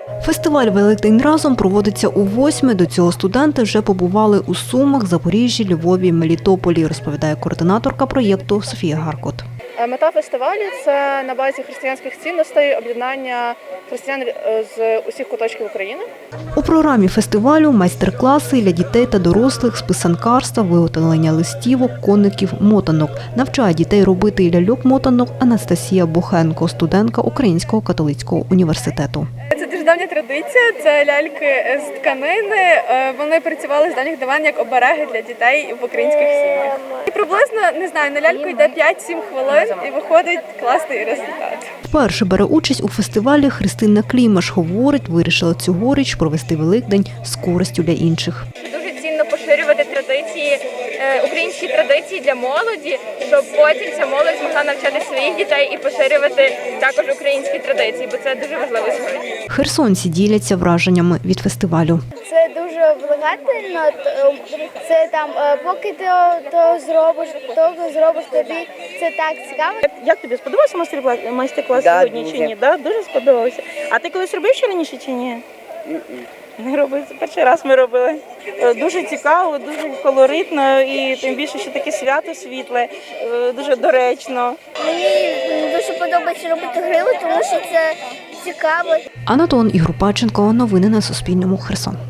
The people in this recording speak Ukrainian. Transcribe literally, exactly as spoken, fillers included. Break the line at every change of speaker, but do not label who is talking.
Фестиваль «Великдень разом» проводиться у восьме. До цього студенти вже побували у Сумах, Запоріжжі, Львові, Мелітополі, розповідає координаторка проєкту Софія Гаркот.
Мета фестивалю – це на базі християнських цінностей об'єднання християн з усіх куточків України.
У програмі фестивалю майстер-класи для дітей та дорослих з писанкарства, виготовлення листівок, коників, мотанок. Навчає дітей робити ляльок-мотанок Анастасія Бохенко, студентка Українського католицького університету.
Це дуже давня традиція, це ляльки з тканини. Вони працювали з давніх давен як обереги для дітей в українських сім'ях. І приблизно, не знаю, на ляльку йде п'ять-сім хвилин і виходить класний результат.
Вперше бере участь у фестивалі Христина Клімаш. Говорить, вирішила цьогоріч провести Великдень з користю для інших.
Дуже цінно поширювати традиції, українські традиції для молоді, щоб потім ця молодь змогла навчати своїх дітей і поширювати також українські традиції, бо це дуже важливо сьогодні.
Херсонці діляться враженнями від фестивалю.
Це дуже влагательно, це там, поки ти то зробиш, то зробиш тобі, це так цікаво.
Як тобі сподобався майстер-клас
да,
сьогодні
дуже.
чи ні? Да? Дуже сподобався. А ти колись робив ще раніше чи ні? Не робив, це перший раз ми робили. Дуже цікаво, дуже колоритно і тим більше, що таке свято світле, дуже доречно.
Мені дуже подобається робити грили, тому що це цікаво.
Анатон Ігрупаченко. Новини на Суспільному. Херсон.